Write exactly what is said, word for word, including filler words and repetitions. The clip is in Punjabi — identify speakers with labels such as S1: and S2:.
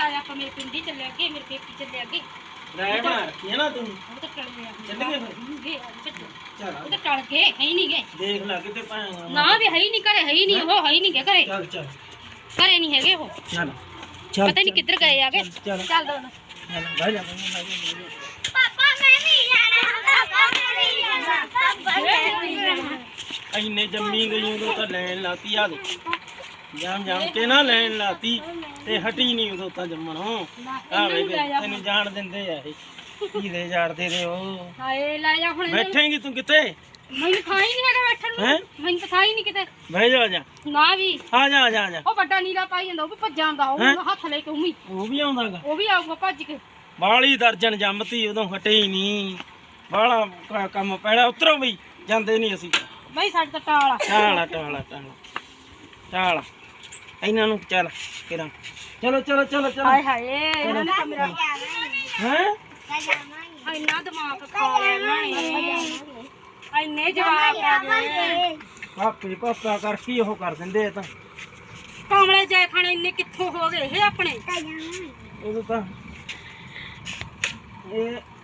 S1: ਆਪਾਂ ਮੇਰੇ ਪਿੰਡੀ ਚੱਲੇ ਅੱਗੇ ਮੇਰੇ ਪੇਕੀ ਚੱਲੇ ਅੱਗੇ
S2: ਰਾਇ ਬਣਾ ਰੱਖੀ ਹੈ ਨਾ ਤੂੰ
S1: ਉਹ ਤਾਂ ਟਲ ਗਿਆ
S2: ਚੱਲ ਗਏ ਫਿਰ
S1: ਚੱਲ
S2: ਚੱਲ
S1: ਉਹ ਤਾਂ ਟਲ ਗਏ ਹੈ ਹੀ ਨਹੀਂ ਗਏ
S2: ਦੇਖ ਲੈ ਕਿਤੇ ਪਾਏਗਾ
S1: ਨਾ ਵੀ ਹੈ ਹੀ ਨਹੀਂ ਘਰੇ ਹੈ ਹੀ ਨਹੀਂ ਉਹ ਹੈ ਹੀ ਨਹੀਂ ਗਏ ਘਰੇ
S2: ਚੱਲ ਚੱਲ
S1: ਘਰੇ ਨਹੀਂ ਹੈਗੇ ਉਹ
S2: ਚੱਲ ਚੱਲ
S1: ਪਤਾ ਨਹੀਂ ਕਿੱਧਰ ਗਏ ਆਗੇ
S2: ਚੱਲ
S1: ਚੱਲ ਦੋ
S2: ਚੱਲ ਬਹਿ ਜਾ
S3: ਪਾਪਾ ਮੈਂ ਵੀ ਜਾਣਾ ਪਾਪਾ ਮੈਂ ਵੀ ਜਾਣਾ ਪਾਪਾ ਮੈਂ ਵੀ ਜਾਣਾ
S2: ਇੰਨੇ ਜੰਮੀ ਗਈ ਉਦੋਂ ਤਾਂ ਲੈਣ ਲਾਤੀ ਆ ਦੇ ਜਾਮ ਜਾਮ ਕੇ ਨਾ ਲੈਣ ਲਾਤੀ ਤੇ ਹਟੀ ਨਹੀਂ ਉਦੋਂ ਤਾਂ ਜੰਮਣੋਂ ਆ ਵੇ ਤੈਨੂੰ ਜਾਣ ਦਿੰਦੇ ਆ ਇਹ ਕੀ ਦੇ ਜਾੜਦੇ ਦੇ ਉਹ
S1: ਹਾਏ ਲੈ ਜਾ ਹੁਣ
S2: ਬੈਠੇਂਗੀ ਤੂੰ ਕਿੱਥੇ
S1: ਮੈਨੂੰ ਥਾਂ ਹੀ ਨਹੀਂ ਹੈਗਾ ਬੈਠਣ
S2: ਹੈਂ?
S1: ਨੂੰ ਮੈਨੂੰ ਤਾਂ ਥਾਂ ਹੀ ਨਹੀਂ ਕਿਤੇ
S2: ਬਹਿ ਜਾ ਆ ਜਾ
S1: ਨਾ ਵੀ
S2: ਆ ਜਾ ਆ ਜਾ ਆ ਜਾ
S1: ਉਹ ਵੱਡਾ ਨੀਲਾ ਪਾਈ ਜਾਂਦਾ ਉਹ ਵੀ ਭੱਜ ਜਾਂਦਾ ਉਹ
S2: ਹੈਂ?
S1: ਹੱਥ ਲੈ ਕੇ ਉਮੀ
S2: ਉਹ ਵੀ ਆਉਂਦਾਗਾ
S1: ਉਹ ਵੀ ਆਊਗਾ ਭੱਜ ਕੇ
S2: ਬਾਲੀ ਦਰਜਨ ਜੰਮਤੀ ਉਦੋਂ ਹਟੇ ਹੀ ਨਹੀਂ ਬਾਲਾ ਕੰਮ ਪੈਣਾ ਉਤਰੋ ਬਈ ਜਾਂਦੇ ਨਹੀਂ ਅਸੀਂ
S1: ਬਈ ਸਾਡੇ ਤਾਂ ਟਾਲ ਆ
S2: ਟਾਲਾ ਟਾਲਾ ਟਾਲਾ ਟਾਲਾ ਇਹਨਾਂ ਨੂੰ ਚੱਲ ਕਿਰਾਂ ਚਲੋ ਚਲੋ ਚਲੋ ਚਲੋ
S1: ਹਾਏ ਹਾਏ ਇਹਨਾਂ ਨੇ ਤਾਂ ਮੇਰਾ
S2: ਹੈ
S1: ਇੰਨਾ ਦਿਮਾਗ ਖਾ ਲਿਆ ਇਹਨਾਂ ਨੇ ਇੰਨੇ ਜਵਾਬ ਆ ਗਏ
S2: ਪਾਪੇ ਪਾਪਾ ਕਰਕੇ ਉਹ ਕਰ ਦਿੰਦੇ ਆ ਤਾਂ
S1: ਕਾਮਲੇ ਜੈ ਖਾਣੇ ਇੰਨੇ ਕਿੱਥੋਂ ਹੋ ਗਏ ਇਹ ਆਪਣੇ
S2: ਉਦੋਂ ਤਾਂ ਇਹ